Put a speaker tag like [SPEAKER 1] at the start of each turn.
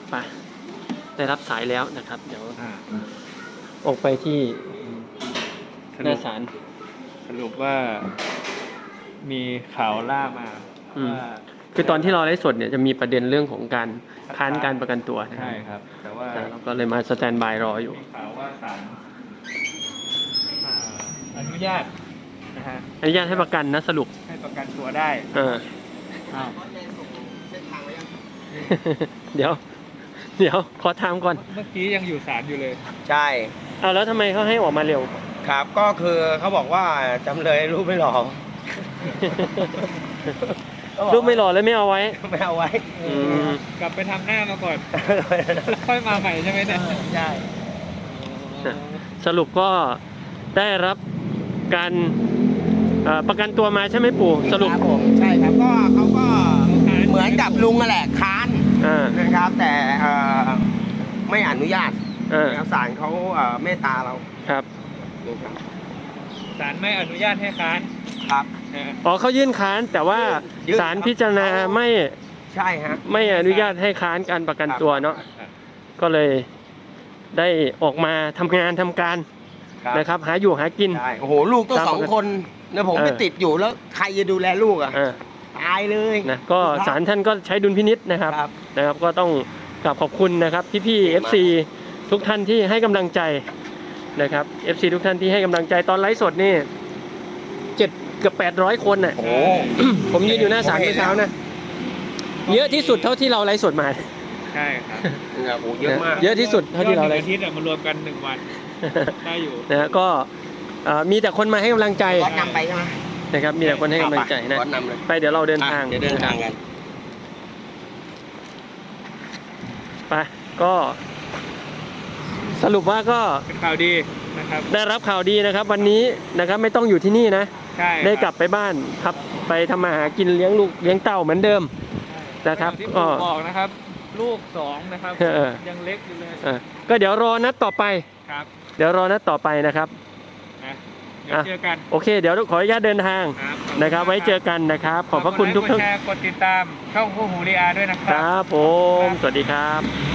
[SPEAKER 1] ไปได้รับสายแล้วนะครับเดี๋ยวออกไปที่หน้าศาล
[SPEAKER 2] สรุปว่ามีข่าวล่ามาว่า
[SPEAKER 1] คือตอนที่เราไลฟ์สดเนี่ยจะมีประเด็นเรื่องของการค้านการประกันตัว
[SPEAKER 2] ใช่ครับแต่ว่า
[SPEAKER 1] เราก็เลยมาสแตนบายรออยู่
[SPEAKER 2] มีข่าวว่าศาลอนุญาตนะฮะ
[SPEAKER 1] อนุญาตให้ประกันนะสรุป
[SPEAKER 2] ให้ประกันตัวได้
[SPEAKER 1] เดี๋ยวขอถามก่อน
[SPEAKER 2] เมื่อกี้ยังอยู่ศาลอยู่เลย
[SPEAKER 3] ใช่
[SPEAKER 1] เอาแล้วทำไมเขาให้ออกมาเร็ว
[SPEAKER 3] ครับก็คือเขาบอกว่าจำเลยรูปไม่หล่อ
[SPEAKER 1] รูปไม่หล่อเลยไม่เอาไว้
[SPEAKER 2] กลับไปทำหน้ามาก่อนค่อยมาใหม่ใช่ไหมเนี่ย
[SPEAKER 3] ใช่
[SPEAKER 1] สรุปก็ได้รับการประกันตัวมาใช่ไหมปู่สรุป
[SPEAKER 3] ผมใช่ครับก็เขาก็เหมือนกับลุงนั่นแหละค้านนะครับแต่ไม่อนุญาตศาลเขาเมตตาเรา
[SPEAKER 1] ครับ
[SPEAKER 2] ศาลไม่อนุญาตให้ค้าน
[SPEAKER 3] ครับ
[SPEAKER 1] อ๋อเขายื่นค้านแต่ว่าศาลพิจารณาไม่
[SPEAKER 3] ใช่ฮะ
[SPEAKER 1] ไม่อนุญาตให้ค้านการประกันตัวเนาะก็เลยได้ออกมาทำงานทำการนะครับหาอยู่หากิน
[SPEAKER 3] โอ้โหลูกต้อง2 คนนะผมไปติดอยู่แล้วใครจะดูแลลูกอ่ะตายเลย
[SPEAKER 1] นะก็ศาลท่านก็ใช้ดุลพินิจนะครับก็ต้องกราบขอบคุณนะครับพี่ FC ทุกท่านที่ให้กำลังใจนะครับ FC ทุกท่านที่ให้กำลังใจตอนไลฟ์สดนี่เกือบ800 คนน่ะผมยืนอยู่หน้าศาลเมื่อเช้านะเยอะที่สุดเท่าที่เราไลฟ์สดมา
[SPEAKER 2] ใช่ครับ
[SPEAKER 3] โอ้เยอะมาก
[SPEAKER 1] เยอะที่สุดเท่าที่เราไลฟ์
[SPEAKER 2] อาทิตย์มารวมกัน1 วันได้อยู่
[SPEAKER 1] นะก็มีแต่คนมาให้กำลังใจ
[SPEAKER 3] นำไปใช่ไหม
[SPEAKER 1] นะครับมีแต่คนให้กำลังใจนะไปเดี๋ยวเราเดินทาง
[SPEAKER 3] กัน
[SPEAKER 1] ไปก็สรุปว่าก็
[SPEAKER 2] เป็นข่าวดีนะครับ
[SPEAKER 1] ได้รับข่าวดีนะครับวันนี้นะครับไม่ต้องอยู่ที่นี่นะได้กลับไปบ้านครับไปทำมาหากินเลี้ยงลูกเลี้ยงเต่าเหมือนเดิมนะครับ
[SPEAKER 2] ก็บอกนะครับลูก2นะครับยังเล็กอยู่เลย
[SPEAKER 1] ก็เดี๋ยวรอนัดต่อไป
[SPEAKER 2] ครับ
[SPEAKER 1] เดี๋ยวรอนัดต่อไปนะครับ
[SPEAKER 2] เดี๋ยวเจอกัน
[SPEAKER 1] โอเคเดี๋ยวขออนุญาตเดินทางนะครับไว้เจอกันนะครับขอบพระคุณทุกท่าน
[SPEAKER 2] กดติดตามช่องคู่หูรีอาด้วยนะครับ
[SPEAKER 1] ครับผมสวัสดีครับ